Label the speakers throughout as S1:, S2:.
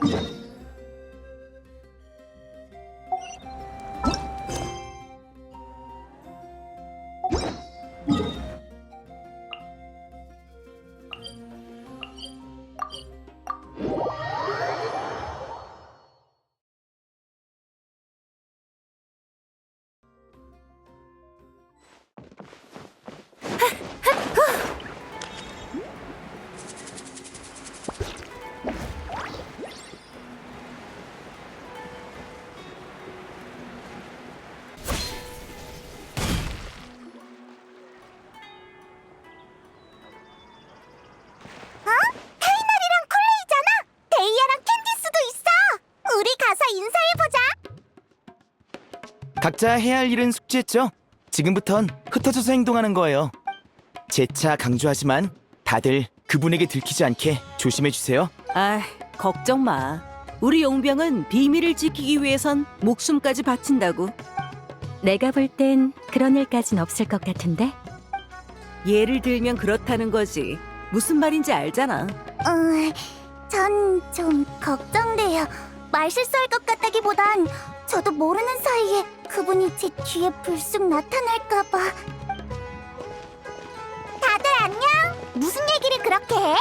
S1: 각자 해야 할 일은 숙지했죠? 지금부턴 흩어져서 행동하는 거예요. 재차 강조하지만 다들 그분에게 들키지 않게 조심해주세요.
S2: 아, 걱정 마. 우리 용병은 비밀을 지키기 위해선 목숨까지 바친다고.
S3: 내가 볼 땐 그런 일까진 없을 것 같은데?
S2: 예를 들면 그렇다는 거지. 무슨 말인지 알잖아.
S4: 전 좀 걱정돼요. 말 실수할 것 같다기보단 저도 모르는 사이에 그분이 제 뒤에 불쑥 나타날까봐. 다들 안녕? 무슨 얘기를 그렇게 해?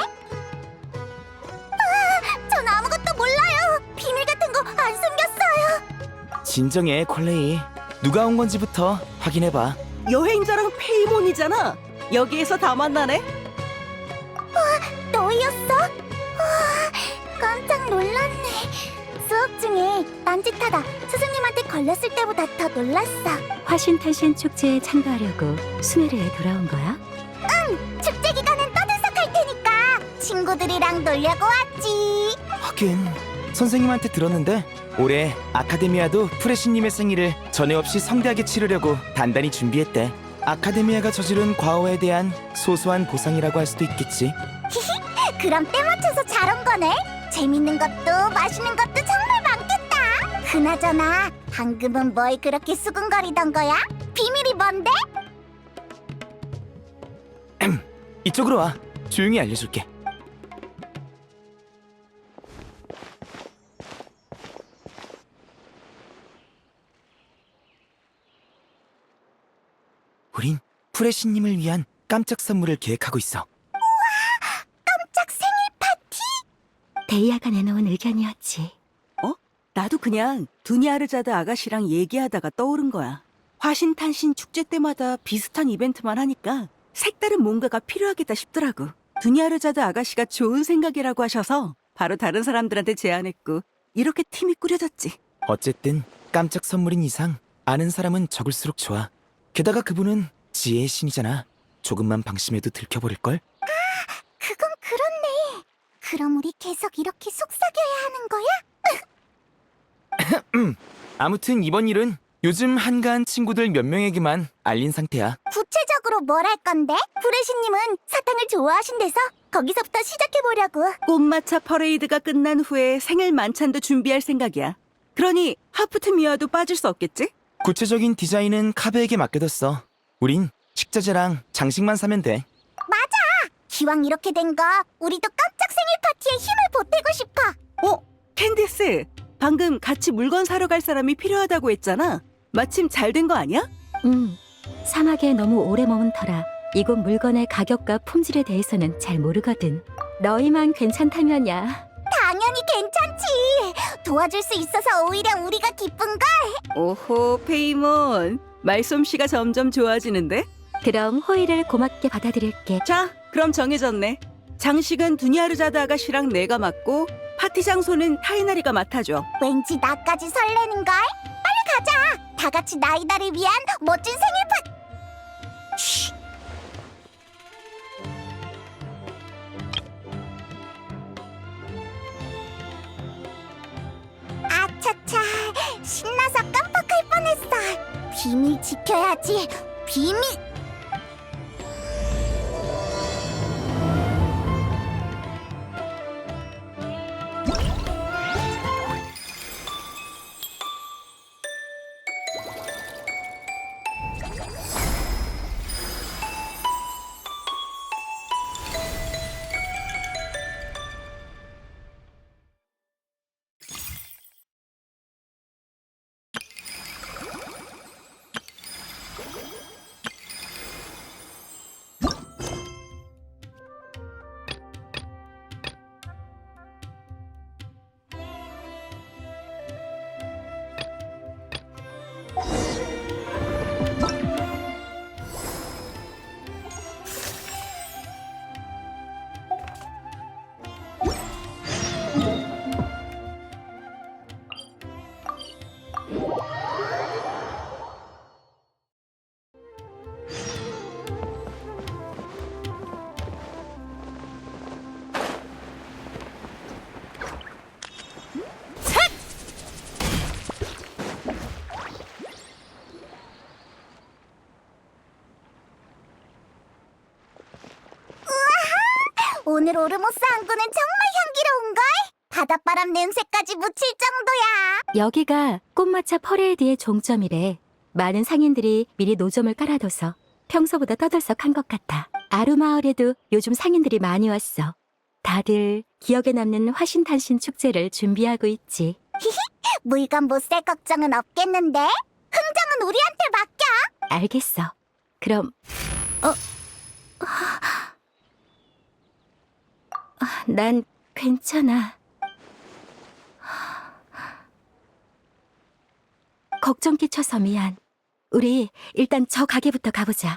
S4: 전 아무것도 몰라요. 비밀 같은 거 안 숨겼어요.
S1: 진정해, 콜레이. 누가 온 건지부터 확인해봐.
S2: 여행자랑 페이몬이잖아. 여기에서 다 만나네.
S4: 너였어? 깜짝 놀랐네. 수업 중에 딴짓하다 스승님한테 걸렸을 때보다 더 놀랐어.
S3: 화신탄신 축제에 참가하려고 수메르에 돌아온 거야?
S4: 축제 기간은 떠들썩할 테니까 친구들이랑 놀려고 왔지.
S1: 하긴 선생님한테 들었는데 올해 아카데미아도 프레시님의 생일을 전에 없이 성대하게 치르려고 단단히 준비했대. 아카데미아가 저지른 과오에 대한 소소한 보상이라고 할 수도 있겠지.
S4: 그럼 때 맞춰서 잘 온 거네. 재밌는 것도 맛있는 것도 정말 많겠다. 그나저나 방금은 뭘 그렇게 수근거리던 거야? 비밀이 뭔데?
S1: 이쪽으로 와. 조용히 알려줄게. 우린 프레시님을 위한 깜짝 선물을 계획하고 있어.
S4: 깜짝 생일 파티?
S3: 데이아가 내놓은 의견이었지.
S2: 나도 그냥 두니아르자드 아가씨랑 얘기하다가 떠오른 거야. 화신탄신 축제 때마다 비슷한 이벤트만 하니까 색다른 뭔가가 필요하겠다 싶더라고. 두니아르자드 아가씨가 좋은 생각이라고 하셔서 바로 다른 사람들한테 제안했고 이렇게 팀이 꾸려졌지.
S1: 어쨌든 깜짝 선물인 이상 아는 사람은 적을수록 좋아. 게다가 그분은 지혜의 신이잖아. 조금만 방심해도 들켜버릴걸?
S4: 그건 그렇네. 그럼 우리 계속 이렇게 속삭여야 하는 거야?
S1: 아무튼 이번 일은 요즘 한가한 친구들 몇 명에게만 알린 상태야.
S4: 구체적으로 뭘 할 건데? 브레시님은 사탕을 좋아하신대서 거기서부터 시작해보려고.
S2: 꽃마차 퍼레이드가 끝난 후에 생일 만찬도 준비할 생각이야. 그러니 하프트미아도 빠질 수 없겠지?
S1: 구체적인 디자인은 카베에게 맡겨뒀어. 우린 식자재랑 장식만 사면 돼.
S4: 기왕 이렇게 된 거 우리도 깜짝 생일 파티에 힘을 보태고 싶어.
S2: 캔디스, 방금 같이 물건 사러 갈 사람이 필요하다고 했잖아. 마침 잘 된 거 아니야?
S3: 사막에 너무 오래 머문 터라 이곳 물건의 가격과 품질에 대해서는 잘 모르거든. 너희만 괜찮다면야.
S4: 당연히 괜찮지. 도와줄 수 있어서 오히려 우리가 기쁜걸.
S2: 오호, 페이몬. 말솜씨가 점점 좋아지는데?
S3: 그럼 호의를 고맙게 받아들일게.
S2: 자, 그럼 정해졌네. 장식은 두니아르자드 아가씨랑 내가 맡고 파티 장소는 타이나리가 맡아줘.
S4: 왠지 나까지 설레는걸. 빨리 가자. 다 같이 나이다를 위한 멋진 생일 파티. 아차차, 신나서 깜빡할 뻔했어. 비밀 지켜야지. 비밀. 오늘 오르모스 항구는 정말 향기로운걸? 바닷바람 냄새까지 묻힐 정도야.
S3: 여기가 꽃마차 퍼레이드의 종점이래. 많은 상인들이 미리 노점을 깔아둬서 평소보다 떠들썩한 것 같아. 아루마을에도 요즘 상인들이 많이 왔어. 다들 기억에 남는 화신탄신 축제를 준비하고 있지.
S4: 물건 못 살 걱정은 없겠는데? 흥정은 우리한테 맡겨.
S3: 알겠어. 그럼 난 괜찮아. 걱정 끼쳐서 미안. 우리 일단 저 가게부터 가보자.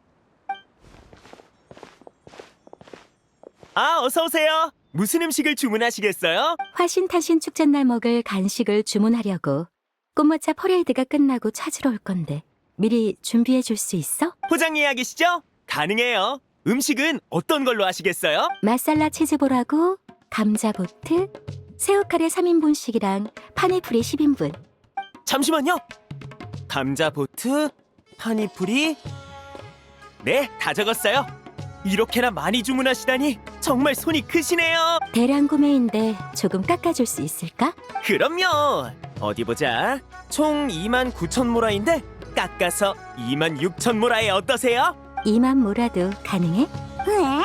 S5: 아, 어서 오세요. 무슨 음식을 주문하시겠어요?
S3: 화신탄신 축제날 먹을 간식을 주문하려고. 꽃마차 퍼레이드가 끝나고 찾으러 올 건데 미리 준비해 줄 수 있어?
S5: 포장 예약이시죠? 가능해요. 음식은 어떤 걸로 하시겠어요?
S3: 마살라 치즈볼하고 감자보트, 새우카레 3인분씩이랑 파네프리 10인분.
S5: 잠시만요. 감자보트, 파니풀이. 네, 다 적었어요. 이렇게나 많이 주문하시다니 정말 손이 크시네요.
S3: 대량 구매인데 조금 깎아줄 수 있을까?
S5: 그럼요. 어디 보자. 총 29,000모라인데 깎아서 26,000모라에 어떠세요?
S3: 2만 모라도 가능해?
S4: 왜?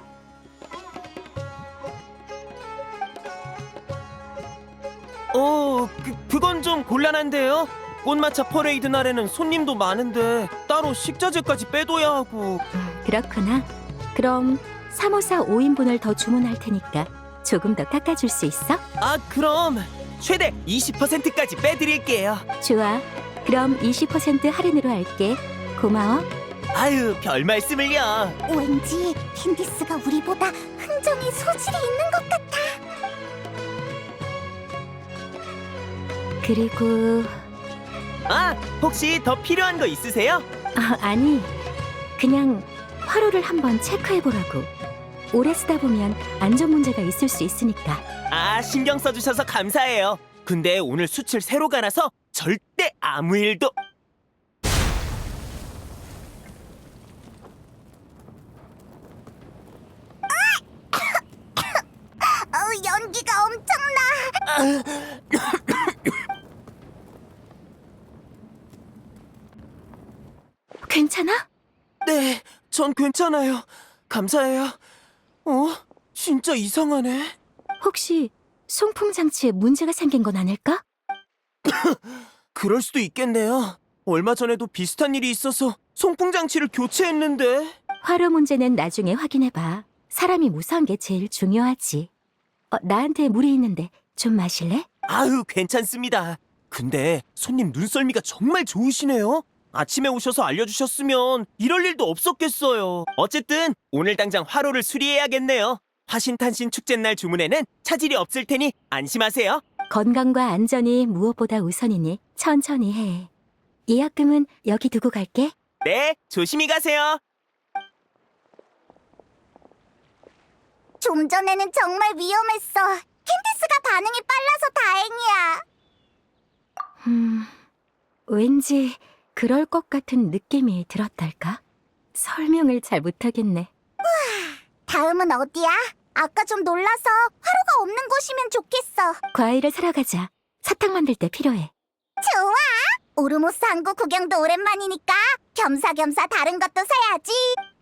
S5: 그건 좀 곤란한데요. 꽃마차 퍼레이드 날에는 손님도 많은데 따로 식자재까지 빼둬야 하고.
S3: 그렇구나. 그럼 354 5인분을 더 주문할 테니까 조금 더 깎아줄 수 있어?
S5: 아, 그럼 최대 20%까지 빼드릴게요.
S3: 좋아. 그럼 20% 할인으로 할게. 고마워.
S5: 아유, 별 말씀을요.
S4: 왠지 캔디스가 우리보다 흥정에 소질이 있는 것 같아.
S3: 그리고
S5: 아, 혹시 더 필요한 거 있으세요?
S3: 아니, 그냥 화로를 한번 체크해보라고. 오래 쓰다 보면 안전 문제가 있을 수 있으니까.
S5: 아, 신경 써주셔서 감사해요. 근데 오늘 수출 새로 가나서 절대 아무 일도.
S4: 연기가 엄청나.
S3: 괜찮아?
S5: 네, 전 괜찮아요. 감사해요. 진짜 이상하네.
S3: 혹시 송풍 장치에 문제가 생긴 건 아닐까?
S5: 그럴 수도 있겠네요. 얼마 전에도 비슷한 일이 있어서 송풍 장치를 교체했는데.
S3: 화로 문제는 나중에 확인해봐. 사람이 무사한 게 제일 중요하지. 나한테 물이 있는데 좀 마실래?
S5: 아유, 괜찮습니다. 근데 손님 눈썰미가 정말 좋으시네요. 아침에 오셔서 알려주셨으면 이럴 일도 없었겠어요. 어쨌든 오늘 당장 화로를 수리해야겠네요. 화신탄신 축제날 주문에는 차질이 없을 테니 안심하세요.
S3: 건강과 안전이 무엇보다 우선이니 천천히 해. 예약금은 여기 두고 갈게.
S5: 네, 조심히 가세요.
S4: 좀 전에는 정말 위험했어. 캔디스가 반응이 빨라서 다행이야.
S3: 왠지 그럴 것 같은 느낌이 들었달까? 설명을 잘 못하겠네.
S4: 다음은 어디야? 아까 좀 놀라서 화로가 없는 곳이면 좋겠어.
S3: 과일을 사러 가자. 사탕 만들 때 필요해.
S4: 좋아. 오르모스 항구 구경도 오랜만이니까 겸사겸사 다른 것도 사야지.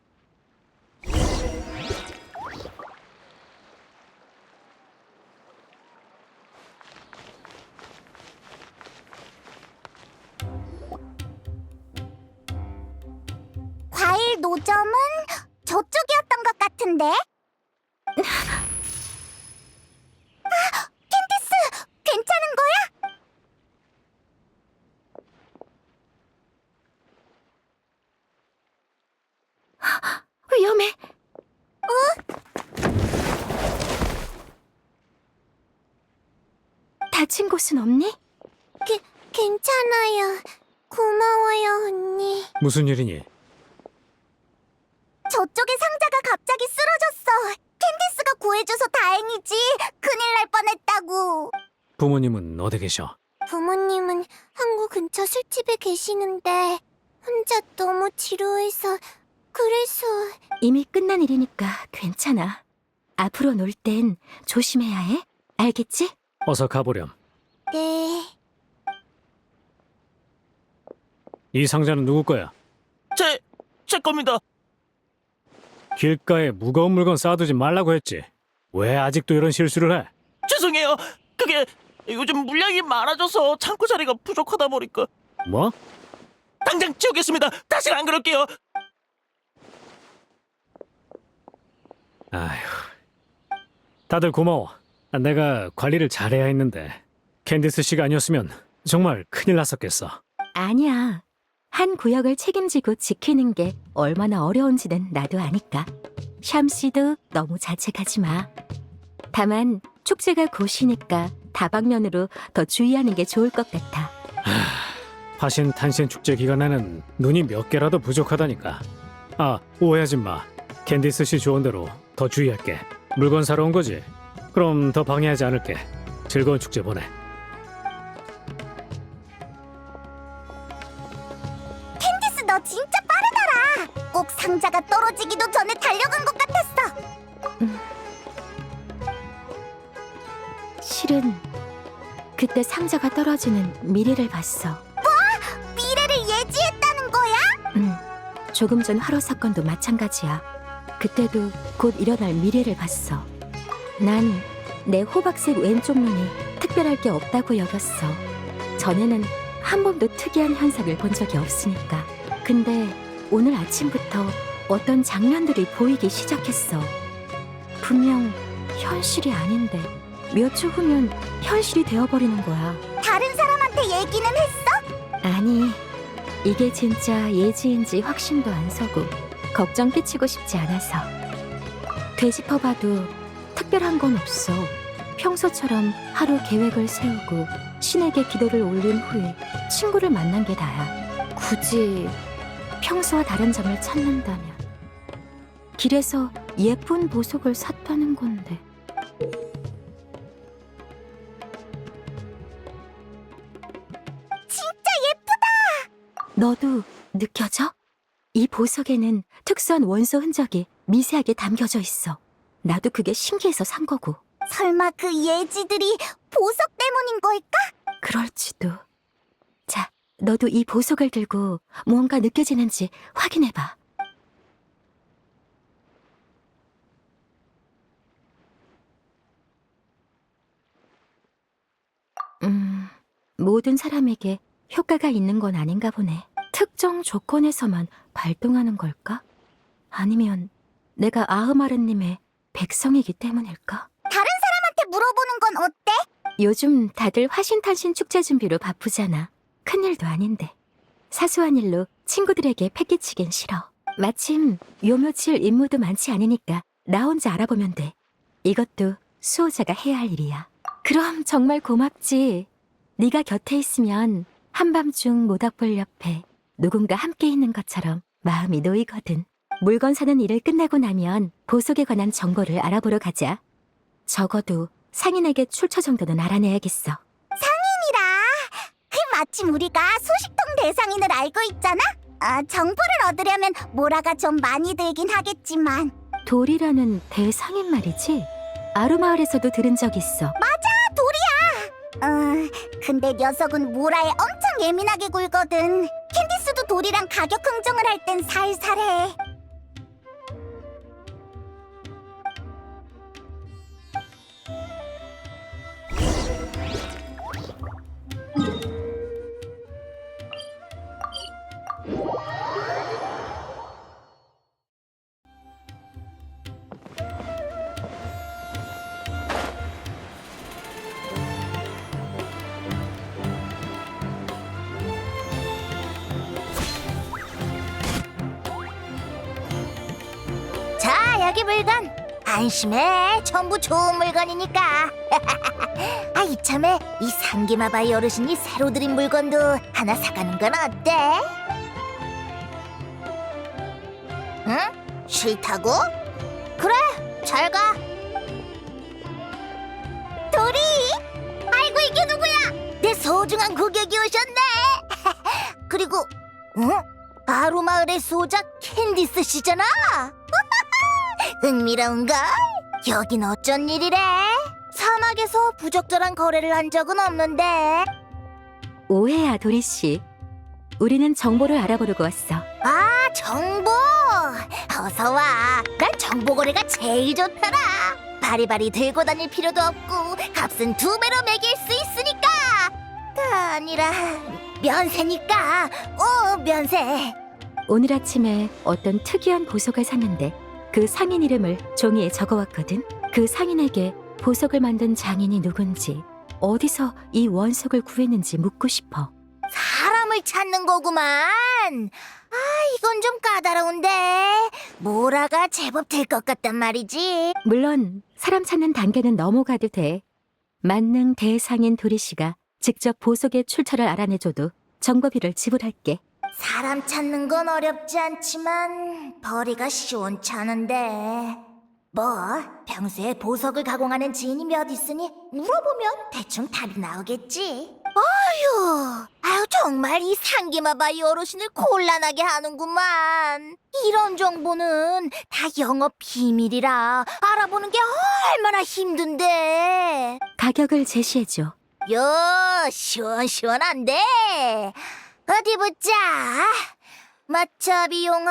S4: 과일 노점은 저쪽이었던 것 같은데? 캔디스, 괜찮은 거야?
S3: 위험해. 다친 곳은 없니?
S4: 괜찮아요. 고마워요, 언니.
S6: 무슨 일이니?
S4: 저쪽에 상자가 갑자기 쓰러졌어. 캔디스가 구해줘서 다행이지. 큰일 날 뻔했다고.
S6: 부모님은 어디 계셔?
S4: 부모님은 항구 근처 술집에 계시는데 혼자 너무 지루해서 그래서...
S3: 이미 끝난 일이니까 괜찮아. 앞으로 놀 땐 조심해야 해. 알겠지?
S6: 어서 가보렴.
S4: 네...
S6: 이 상자는 누구 거야?
S5: 제 겁니다.
S6: 길가에 무거운 물건 쌓아두지 말라고 했지. 왜 아직도 이런 실수를 해?
S5: 죄송해요. 그게 요즘 물량이 많아져서 창고 자리가 부족하다 보니까.
S6: 뭐?
S5: 당장 치우겠습니다. 다시는 안 그럴게요.
S6: 아휴. 다들 고마워. 내가 관리를 잘해야 했는데 캔디스 씨가 아니었으면 정말 큰일 났었겠어.
S3: 아니야. 한 구역을 책임지고 지키는 게 얼마나 어려운지는 나도 아니까. 샴 씨도 너무 자책하지 마. 다만 축제가 곧이니까 다방면으로 더 주의하는 게 좋을 것 같아.
S6: 화신 탄신 축제 기간에는 눈이 몇 개라도 부족하다니까. 아, 오해하지 마. 캔디스 씨 조언대로 더 주의할게. 물건 사러 온 거지? 그럼 더 방해하지 않을게. 즐거운 축제 보내.
S4: 캔디스 너 진짜 빠르더라. 꼭 상자가 떨어지기도 전에 달려간 것 같았어.
S3: 실은 그때 상자가 떨어지는 미래를 봤어.
S4: 미래를 예지했다는 거야?
S3: 조금 전 화로 사건도 마찬가지야. 그때도 곧 일어날 미래를 봤어. 난 내 호박색 왼쪽 눈이 특별할 게 없다고 여겼어. 전에는 한 번도 특이한 현상을 본 적이 없으니까. 근데 오늘 아침부터 어떤 장면들이 보이기 시작했어. 분명 현실이 아닌데 몇 초 후면 현실이 되어버리는 거야.
S4: 다른 사람한테 얘기는 했어?
S3: 아니, 이게 진짜 예지인지 확신도 안 서고 걱정 끼치고 싶지 않아서. 되짚어봐도 특별한 건 없어. 평소처럼 하루 계획을 세우고 신에게 기도를 올린 후에 친구를 만난 게 다야. 굳이 평소와 다른 점을 찾는다면 길에서 예쁜 보석을 샀다는 건데.
S4: 진짜 예쁘다.
S3: 너도 느껴져? 이 보석에는 특수한 원소 흔적이 미세하게 담겨져 있어. 나도 그게 신기해서 산 거고.
S4: 설마 그 예지들이 보석 때문인 걸까?
S3: 그럴지도. 자, 너도 이 보석을 들고 무언가 느껴지는지 확인해봐. 모든 사람에게 효과가 있는 건 아닌가 보네. 특정 조건에서만 발동하는 걸까? 아니면 내가 아흐마르님의 백성이기 때문일까?
S4: 다른 사람한테 물어보는 건 어때?
S3: 요즘 다들 화신탄신 축제 준비로 바쁘잖아. 큰일도 아닌데. 사소한 일로 친구들에게 패기치긴 싫어. 마침 요 며칠 임무도 많지 않으니까 나 혼자 알아보면 돼. 이것도 수호자가 해야 할 일이야. 그럼 정말 고맙지. 네가 곁에 있으면 한밤중 모닥불 옆에 누군가 함께 있는 것처럼 마음이 놓이거든. 물건 사는 일을 끝내고 나면 보석에 관한 정보를 알아보러 가자. 적어도 상인에게 출처 정도는 알아내야겠어.
S4: 상인이라. 그 마침 우리가 소식통 대상인을 알고 있잖아? 정보를 얻으려면 모라가 좀 많이 들긴 하겠지만.
S3: 돌이라는 대상인 말이지? 아루마을에서도 들은 적 있어.
S4: 돌이야. 근데 녀석은 모라에 엄청 예민하게 굴거든. 캔디스도 돌이랑 가격 흥정을 할 땐 살살해. 자, 여기 물건. 안심해. 전부 좋은 물건이니까. 아, 이참에 이 상기마바이 어르신이 새로 드린 물건도 하나 사가는 건 어때? 응? 싫다고? 그래, 잘 가. 도리! 아이고, 이게 누구야? 내 소중한 고객이 오셨네. 그리고, 아로마을의 소작 캔디스 씨잖아. 흥미로운걸? 여긴 어쩐 일이래? 사막에서 부적절한 거래를 한 적은 없는데.
S3: 오해야, 도리씨. 우리는 정보를 알아보려고 왔어.
S4: 아, 정보! 어서 와. 난 정보 거래가 제일 좋더라. 바리바리 들고 다닐 필요도 없고 값은 2배로 매길 수 있으니까. 아니라 면세니까. 면세.
S3: 오늘 아침에 어떤 특이한 보석을 샀는데 그 상인 이름을 종이에 적어왔거든. 그 상인에게 보석을 만든 장인이 누군지, 어디서 이 원석을 구했는지 묻고 싶어.
S4: 사람을 찾는 거구만. 아, 이건 좀 까다로운데. 모라가 제법 될 것 같단 말이지.
S3: 물론 사람 찾는 단계는 넘어가도 돼. 만능 대상인 도리씨가 직접 보석의 출처를 알아내줘도 정보비를 지불할게.
S4: 사람 찾는 건 어렵지 않지만 벌이가 시원찮은데. 뭐 평소에 보석을 가공하는 지인이 몇 있으니 물어보면 대충 답이 나오겠지. 아유 정말 이 상기마바이 어르신을 곤란하게 하는구만. 이런 정보는 다 영업 비밀이라 알아보는 게 얼마나 힘든데.
S3: 가격을 제시해줘.
S4: 요 시원시원한데. 어디 보자. 마차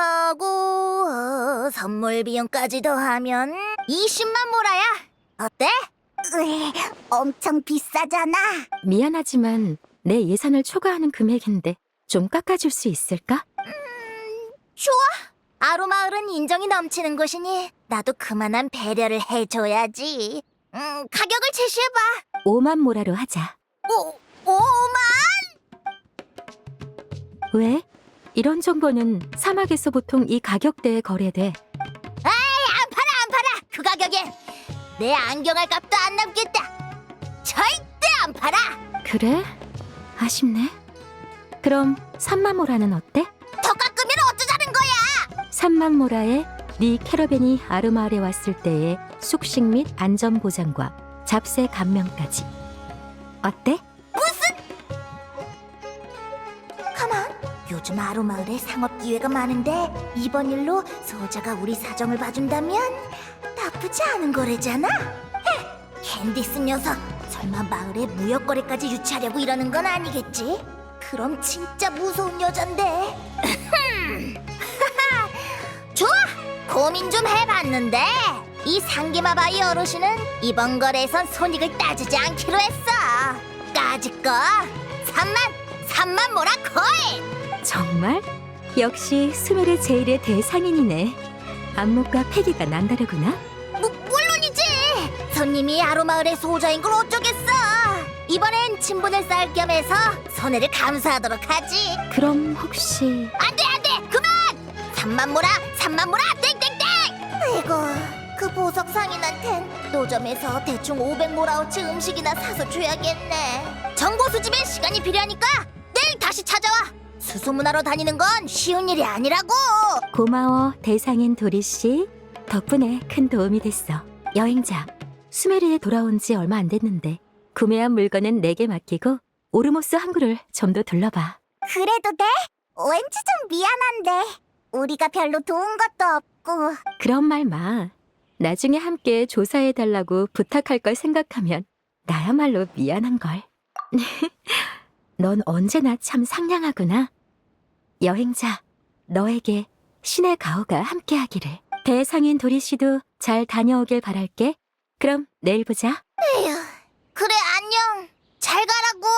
S4: 비용하고 선물 비용까지 더하면 20만 모라야. 어때? 엄청 비싸잖아.
S3: 미안하지만 내 예산을 초과하는 금액인데 좀 깎아줄 수 있을까?
S4: 좋아. 아로마을은 인정이 넘치는 곳이니 나도 그만한 배려를 해줘야지. 가격을 제시해봐.
S3: 5만 모라로 하자.
S4: 5만?
S3: 왜? 이런 정보는 사막에서 보통 이 가격대에 거래돼.
S4: 안 팔아. 그 가격엔 내 안경할 값도 안 남겠다. 절대 안 팔아.
S3: 그래? 아쉽네. 그럼 3만 모라는 어때?
S4: 더 깎으면 어쩌자는 거야.
S3: 3만 모라에 네 캐러밴이 아르마을에 왔을 때의 숙식 및 안전 보장과 잡세 감면까지. 어때?
S4: 가만. 요즘 아로마을에 상업 기회가 많은데 이번 일로 소자가 우리 사정을 봐준다면 나쁘지 않은 거래잖아. 캔디스 녀석 설마 마을에 무역거래까지 유치하려고 이러는 건 아니겠지? 그럼 진짜 무서운 여잔데. 좋아. 고민 좀 해봤는데 이 상기마바이 어르신은 이번 거래에선 손익을 따지지 않기로 했어. 까짓거 3만 모라 코인.
S3: 정말? 역시 수메르 제일의 대상인이네. 안목과 패기가 남다르구나.
S4: 물론이지. 손님이 아로마을의 소자인 걸 어쩌겠어. 이번엔 친분을 쌓을 겸해서 손해를 감수하도록 하지.
S3: 그럼 혹시
S4: 안돼 그만. 3만 모라 땡땡땡. 아이고 그 보석 상인한텐 노점에서 대충 500모라어치 음식이나 사서 줘야겠네. 정보 수집에 시간이 필요하니까 내일 다시 찾아와. 수소문하러 다니는 건 쉬운 일이 아니라고.
S3: 고마워, 대상인 도리씨. 덕분에 큰 도움이 됐어. 여행자, 수메르에 돌아온 지 얼마 안 됐는데 구매한 물건은 내게 맡기고 오르모스 항구를 좀 더 둘러봐.
S4: 그래도 돼? 왠지 좀 미안한데 우리가 별로 도운 것도 없고.
S3: 그런 말 마. 나중에 함께 조사해달라고 부탁할 걸 생각하면 나야말로 미안한걸. 넌 언제나 참 상냥하구나. 여행자, 너에게 신의 가호가 함께하기를. 대상인 도리씨도 잘 다녀오길 바랄게. 그럼 내일 보자.
S4: 에휴, 그래 안녕. 잘 가라고.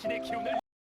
S7: 신의 기운을